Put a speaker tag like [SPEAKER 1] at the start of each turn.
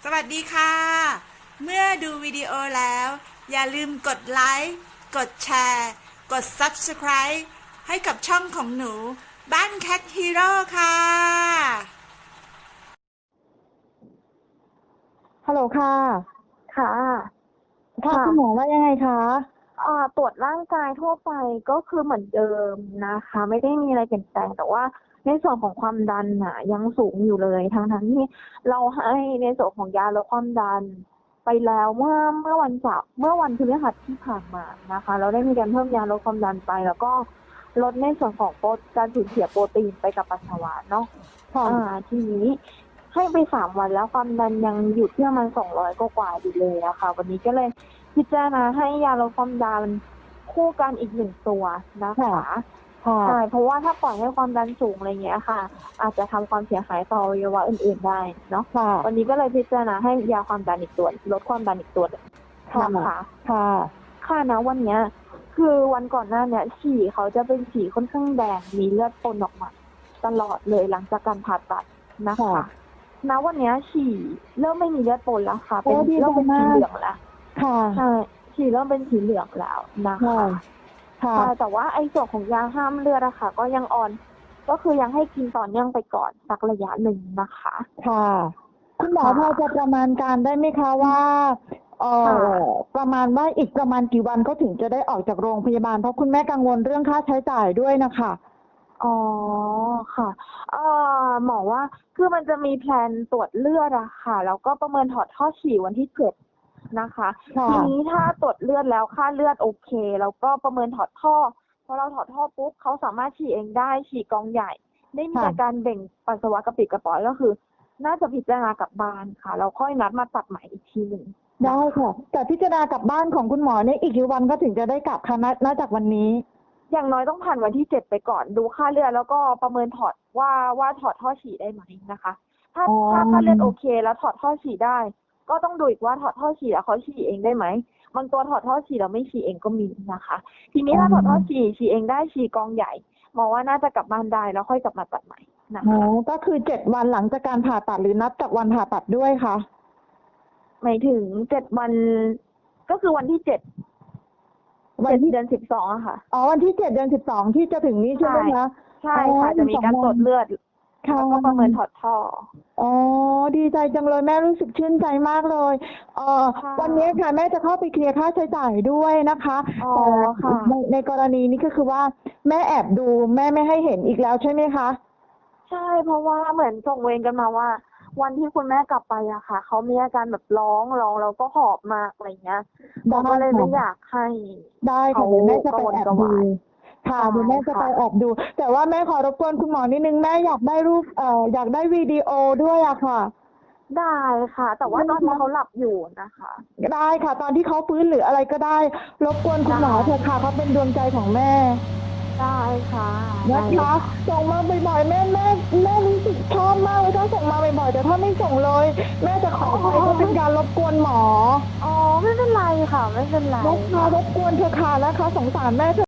[SPEAKER 1] วัสดีค่ะ เมื่อดูวิดีโอแล้วอย่าลืมกดไลค์กดแชร์กด Subscribe ให้กับช่องของหนูบ้าน Cat Hero ค่ะ
[SPEAKER 2] ฮัลโหลค่ะ
[SPEAKER 3] ค่ะ
[SPEAKER 2] ค่ะ
[SPEAKER 3] ค่ะ
[SPEAKER 2] คุณหมอว่ายังไงคะ
[SPEAKER 3] ตรวจร่างกายทั่วไปก็คือเหมือนเดิมนะคะ ไม่ได้มีอะไรเปลี่ยนแปลงแต่ว่าในส่วนของความดันน่ะยังสูงอยู่เลยทั้งที่เราให้ในส่วนของยาลดความดันไปแล้วเมื่อวันพฤหัสที่ผ่านมานะคะเราได้มีการเพิ่มยาลดความดันไปแล้วก็ลดในส่วนของการสูญเสียโปรตีนไปกับปัสสาวะเนาะ
[SPEAKER 2] ค่ะ
[SPEAKER 3] ทีนี้ให้ไป3 วันแล้วความดันยังอยู่ที่ประมาณ200กว่าๆอยู่เลยอะค่ะวันนี้ก็เลยพิจารณาให้ยาลดความดันคู่กันอีก1 ตัวนะคะใช่เพราะว่าถ้าปล่อยให้ความดันสูงอะไรเงี้ยค่ะ อาจจะทำความเสียหายต่ออวัยวะอื่นๆได้เนาะ
[SPEAKER 2] ค่ะ
[SPEAKER 3] วันนี้ก็เลยพิจารณาให้ยาความดันอีกตัวลดความดันอีกตัวนะคะ ค่ะนะวันเนี้ยคือวันก่อนหน้าเนี่ยฉี่เขาจะเป็นฉี่ค่อนข้างแดงมีเลือดปนออกมาตลอดเลยหลังจากการผ่าตัดนะคะณวันเนี้ยฉี่เริ่มไม่มีเลือดปนแล้วค่ะเริ่มเป็นสีเหลืองแล้วใช่ฉี่เริ่มเป็นสีเหลืองแล้วนะคะใช่แต่ว่าไอ้ส่วนของยาห้ามเลือดอะค่ะก็ยังก็คือยังให้กินต่อเนื่องไปก่อนสักระยะหนึ่งนะคะ
[SPEAKER 2] ค่ะคุณหมอพอจะประมาณการได้ไหมคะว่าประมาณว่าอีกประมาณกี่วันเขาถึงจะได้ออกจากโรงพยาบาลเพราะคุณแม่กังวลเรื่องค่าใช้จ่ายด้วยนะคะ
[SPEAKER 3] อ๋อค่ะหมอว่าคือมันจะมีแพลนตรวจเลือดอะค่ะแล้วก็ประเมินถอดท่อฉี่วันที่7นะคะทีนี้ถ้าตรวจเลือดแล้วค่าเลือดโอเคแล้วก็ประเมินถอดท่อพอเราถอดท่อปุ๊บเขาสามารถฉี่เองได้ฉี่กองใหญ่ไม่มีอาการเบ่งปัสสาวะกระปิดกระป๋อยก็คือ น่าจะพิจารณากลับบ้านค่ะแล้วค่อยนัดมาตัดใหม่อีกทีหนึ่ง
[SPEAKER 2] ได้ค่ะแต่พิจารณากลับบ้านของคุณหมอเนี่ยอีกกี่วันก็ถึงจะได้กลับคะนับจากวันนี้
[SPEAKER 3] อย่างน้อยต้องผ่านวันที่7ไปก่อนดูค่าเลือดแล้วก็ประเมินถอดว่าถอดท่อฉี่ได้ไหมนะคะถ้าค่าเลือดโอเคแล้วถอดท่อฉี่ได้ ก็ต้องดูอีกว่าถอดท่อฉี่แล้วเขาฉี่เองได้ไหมบางตัวถอดท่อฉี่แล้วไม่ฉี่เองก็มีนะคะ ทีนี้ถ้าถอดท่อฉี่เองได้ฉี่กองใหญ่มองว่าน่าจะกลับบ้านได้แล้วค่อยกลับมาตัดใหม่นะคะ
[SPEAKER 2] ก็คือ7 วันหลังจากการผ่าตัดหรือนับจากวันผ่าตัดด้วยคะ
[SPEAKER 3] หมายถึง7 วันก็คือวันที่7เดือน12อะค่ะ
[SPEAKER 2] วันที่7 เดือน 12ที่จะถึงนี้ใช่ไหมคะ
[SPEAKER 3] ใช่ค่ะจะมีการตรวจเลือดแล้วก็ประเมินถอดท่อ
[SPEAKER 2] ดีใจจังเลยแม่รู้สึกชื่นใจมากเลยวันนี้ค่ะแม่จะเข้าไปเคลียร์ค่าใช้จ่ายด้วยนะคะแต่ในกรณีนี้ก็คือว่าแม่แอบดูแม่ไม่ให้เห็นอีกแล้วใช่ไหมคะ
[SPEAKER 3] ใช่เพราะว่าเหมือนส่งเวรกันมาว่าวันที่คุณแม่กลับไปอะค่ะเขามีอาการแบบร้องแล้วก็หอบมากอะไรเงี้ยเราก็เลยไม่อยากให้
[SPEAKER 2] ได้ค่ะเดี๋ยวแม่จะไปแอบดูค่ะเดี๋ยวแม่จะไปแอบดู แต่ว่าแม่ขอรบกวนคุณหมอนิดนึงแม่อยากได้รูปอยากได้วิดีโอด้วยอะค่ะ
[SPEAKER 3] ได้ค่ะแต่ว่าตอนนี้เขาหลับอยู่นะคะ
[SPEAKER 2] ได้ค่ะตอนที่เขาฟื้นหรืออะไรก็ได้รบกวนคุณหมอเถอะค่ะเขาเป็นดวงใจของแม่
[SPEAKER 3] ได้ค่ะ
[SPEAKER 2] นะคะส่งมาบ่อยๆแม่รู้สึกชอบมากเลยถ้าส่งมาบ่อยๆแต่ถ้าไม่ส่งเลยแม่จะขอไปก็เป็นการรบกวนหมอ
[SPEAKER 3] ไม่เป็นไรค่ะไม่เป็นไร
[SPEAKER 2] รบกวนเถอะค่ะนะคะสงสารแม่